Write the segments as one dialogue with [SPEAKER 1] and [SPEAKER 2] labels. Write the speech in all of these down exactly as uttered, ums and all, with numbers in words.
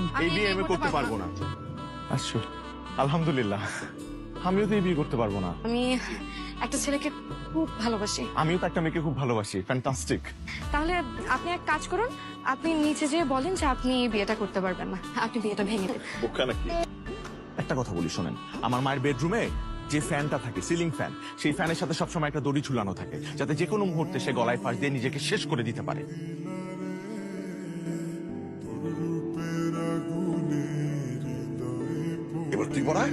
[SPEAKER 1] এই বিয়ে আমি করতে পারবো না। আচ্ছা, আলহামদুলিল্লাহ, আমিও তো এই বিয়ে করতে পারবো না।
[SPEAKER 2] আমি একটা ছেলেকে খুব ভালোবাসি।
[SPEAKER 1] আমিও তো একটা মেয়েকে খুব ভালোবাসি। ফ্যান্টাস্টিক।
[SPEAKER 2] তাহলে আপনি এক কাজ করুন, আপনি নিচে যেয়ে বলেন যে আপনি এই বিয়েটা করতে পারবেন না, আপনি বিয়েটা ভেঙে দেন।
[SPEAKER 1] একটা কথা বলি শোনেন, আমার মায়ের বেডরুমে যে ফ্যানটা থাকে, সিলিং ফ্যান, সেই ফ্যানের সাথে সবসময় একটা দড়ি ঝুলানো থাকে, যাতে যে কোনো মুহূর্তে সে গলায় ফাঁস দিয়ে নিজেকে শেষ করে দিতে পারে। এবার তুই বলা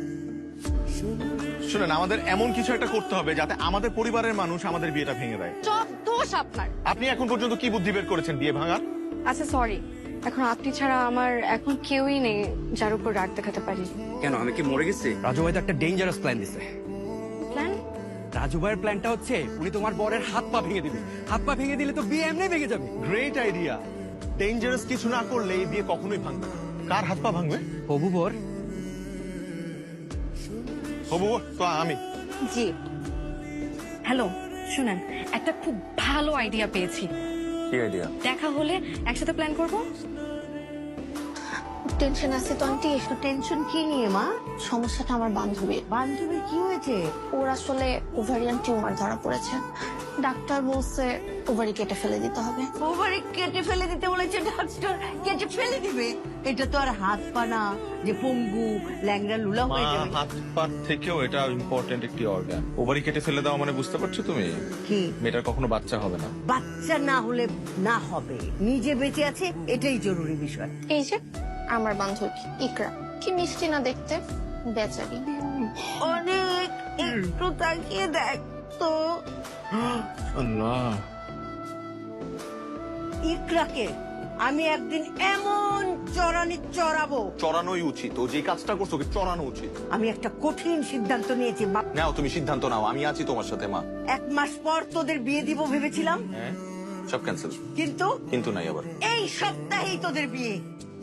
[SPEAKER 1] শুনেন, আমাদের এমন কিছু একটা করতে হবে যাতে আমাদের পরিবারের মানুষ আমাদের বিয়েটা ভেঙে দেয়।
[SPEAKER 2] সব দোষ আপনার।
[SPEAKER 1] আপনি এখন পর্যন্ত কি বুদ্ধি বের করেছেন বিয়ে ভাঙার?
[SPEAKER 2] আচ্ছা সরি, এখন আপনি ছাড়া আমার এখন কেউই নেই যার উপর রাগ দেখাতে পারি।
[SPEAKER 3] কেন, আমি কি মরে গেছি? রাজু ভাই তো একটা ডেঞ্জারাস প্ল্যান দিছে।
[SPEAKER 2] প্ল্যান?
[SPEAKER 3] রাজু ভাইয়ের প্ল্যানটা হচ্ছে উনি তোমার বরের হাত পা ভেঙে দিবে। হাত পা ভেঙে দিলে তো বিয়ে এমনি ভেঙে যাবে।
[SPEAKER 1] Great idea. ডেঞ্জারাস কিছু না করলে এই বিয়ে কখনোই ভাঙবে না। কার হাত পা ভাঙবে?
[SPEAKER 3] হবু বর।
[SPEAKER 1] হবু বর তো আমি।
[SPEAKER 2] জি হ্যালো, শুনেন, একটা খুব ভালো আইডিয়া পেয়েছি।
[SPEAKER 1] কি আইডিয়া?
[SPEAKER 2] দেখা হলে একসাথে প্ল্যান করব।
[SPEAKER 4] টেনশন আছে তো আন্টি। একটু টেনশন কি নিয়ে মা? সমস্যাটা আমার বান্ধবীর। বান্ধবীর কি হয়েছে? ওর আসলে ওভারিয়ান টিউমার ধরা পড়েছে। ডাক্তার বলছে ওভারি কেটে ফেলে দিতে হবে।
[SPEAKER 5] ওভারি কেটে ফেলে দিতে বলেছে ডাক্তার? কেটে ফেলে দিবে? এটা তো আর হাত পা না যে পঙ্গু ল্যাংড়া লুলা হয়ে যাবে।
[SPEAKER 1] হাত পা থেকেও এটা ইম্পর্টেন্ট একটি অর্গান। ওভারি কেটে ফেলে দাও মানে বুঝতে পারছো তুমি?
[SPEAKER 5] কি?
[SPEAKER 1] মেয়েটার কখনো বাচ্চা হবে না।
[SPEAKER 5] বাচ্চা না হলে না হবে, নিজে বেঁচে আছে এটাই জরুরি বিষয়।
[SPEAKER 4] এই যে আমার বান্ধবী ইকরা, কি মিষ্টি না দেখতে, বেচারি।
[SPEAKER 5] অনেক একটু তাকিয়ে দেখ তো।
[SPEAKER 1] আল্লাহ,
[SPEAKER 5] ইকরাকে আমি একদিন এমন চড়ানি চড়াবো।
[SPEAKER 1] চড়ানোই উচিত। ও যে কাজটা করছো ওকে চড়ানো উচিত।
[SPEAKER 5] আমি একটা কঠিন সিদ্ধান্ত নিয়েছি বাপ।
[SPEAKER 1] নাও তুমি সিদ্ধান্ত নাও, আমি আছি তোমার সাথে মা।
[SPEAKER 5] এক মাস পর তোদের বিয়ে দিব ভেবেছিলাম,
[SPEAKER 1] হ্যাঁ, সব ক্যান্সেল।
[SPEAKER 5] কিন্তু
[SPEAKER 1] কিন্তু নাই আবার।
[SPEAKER 5] এই সপ্তাহেই তোদের বিয়ে।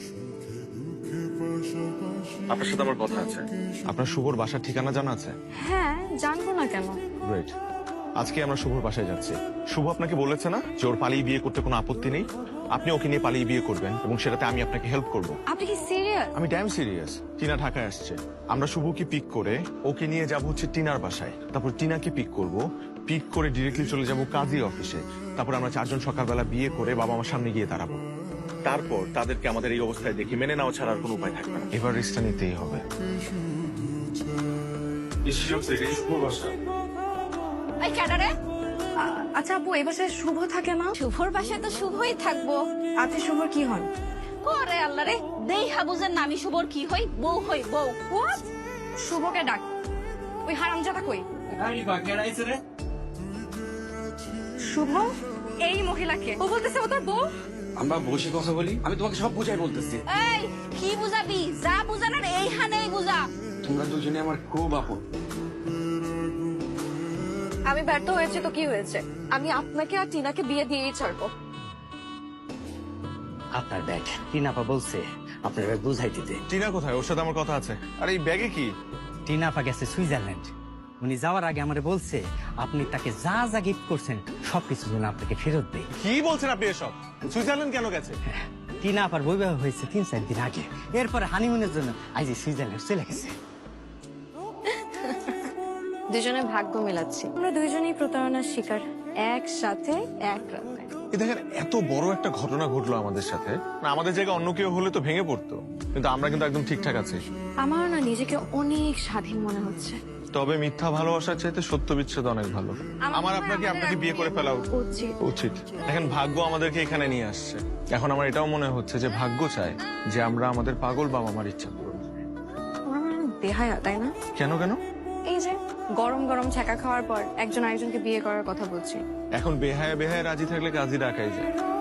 [SPEAKER 1] আপনার সাথে আমার কথা আছে। আপনার শুভর বাসার ঠিকানা জানা আছে?
[SPEAKER 2] হ্যাঁ, জানবো না কেন।
[SPEAKER 1] গ্রেট। আজকে আমরা শুভর বাসায় যাচ্ছি। শুভ আপনাকে বলেছে না যে ওর পালিয়ে বিয়ে করতে কোনো আপত্তি নেই? আপনি ওকে নিয়ে পালিয়ে বিয়ে করবেন এবং সেটাতে আমি আপনাকে হেল্প করব।
[SPEAKER 2] আপনি কি সিরিয়াস?
[SPEAKER 1] আমি ড্যাম সিরিয়াস। টিনা ঢাকায় আসছে, আমরা শুভকে পিক করে ওকে নিয়ে যাব হচ্ছে টিনার বাসায়। তারপর টিনাকে পিক করব, পিক করে ডিরেক্টলি চলে যাব কাজী অফিসে। তারপর আমরা চারজন সকালবেলা বিয়ে করে বাবা আমার সামনে গিয়ে দাঁড়াবো। তারপর তাদেরকে আমাদের এই অবস্থায় দেখি মেনে নেওয়া ছাড়া আর কোনো উপায় থাকবে না। এবার রিস্কটা নিতেই হবে।
[SPEAKER 2] এই ক্যাডারে? আচ্ছা আপু, এই বাসায় শুভ থাকে না?
[SPEAKER 6] শুভর বাসায় তো শুভই থাকবো।
[SPEAKER 2] আপনি শুভর কি হন?
[SPEAKER 6] ওরে আল্লাহ রে, দেই হাবুজের নামি শুভর কি হই? বউ হই বউ।
[SPEAKER 2] What? শুভকে ডাক। ওই হারামজাদা কই? শুভ এই মহিলাকে ও বলতেছে ও তোর বউ।
[SPEAKER 3] আমরা বসে কথা বলি, আমি তোমাকে সব বুঝাই বলতেছি।
[SPEAKER 6] এই কি বুঝাবি? যা বুঝানোর এইখানেই বুঝা।
[SPEAKER 3] তোমরা দুজনে আমার খুব আপন।
[SPEAKER 2] আমি ব্যর্থ হয়েছে তো কি হয়েছে? আমি আপনাকে আর টিনাকে বিয়ে দিয়েই ছাড়বো।
[SPEAKER 7] আপনার ব্যাগ টিনাপা বলছে আপনার ব্যাগ বুঝাই দিতে।
[SPEAKER 1] টিনা কোথায়? ওর সাথে আমার কথা আছে। আর এই ব্যাগে কি?
[SPEAKER 7] টিনাপা গেছে সুইজারল্যান্ড। উনি যাওয়ার আগে আমারে বলছে আপনি তাকে যা যা গিফট করছেন সবকিছু যেন আপনাকে ফেরত দেয়।
[SPEAKER 1] কি বলছেন আপনি এসব? সুইজারল্যান্ড কেন গেছে?
[SPEAKER 7] টিনাপার বৈবাহ হয়েছে তিন চার দিন আগে, এরপরে হানিমুনের জন্য আজ সুইজারল্যান্ড চলে গেছে।
[SPEAKER 2] দুজনে ভাগ্য মেলাচ্ছি। আমরা দুইজনেই প্রতারণার শিকার, একসাথে এক রাতে।
[SPEAKER 1] এই দেখেন, এত বড় একটা ঘটনা ঘটলো আমাদের সাথে। না, আমাদের জায়গায় অন্য কেউ হলে তো ভেঙে পড়তো, কিন্তু আমরা কিন্তু একদম ঠিকঠাক আছি।
[SPEAKER 2] আমার না নিজেকে অনেক স্বাধীন মনে হচ্ছে।
[SPEAKER 1] তবে মিথ্যা ভালোবাসার চাইতে সত্য বিচ্ছেদ অনেক ভালো। আমার আপনাকে আপনাকে বিয়ে করে ফেলা
[SPEAKER 2] উচিত।
[SPEAKER 1] উচিত। দেখেন, ভাগ্য আমাদেরকে এখানে নিয়ে আসছে। এখন আমার এটাও মনে হচ্ছে যে ভাগ্য চায় যে আমরা আমাদের পাগল বাবা মার ইচ্ছা পূরণ করি।
[SPEAKER 2] আমার মনে হয় দেহায়া, তাই না?
[SPEAKER 1] কেন কেন?
[SPEAKER 2] এই যে গরম গরম ছ্যাঁকা খাওয়ার পর একজন আরেকজনকে বিয়ে করার কথা বলছি।
[SPEAKER 1] এখন বেহায় বেহায় রাজি থাকলে কাজী ডাকাই যায়।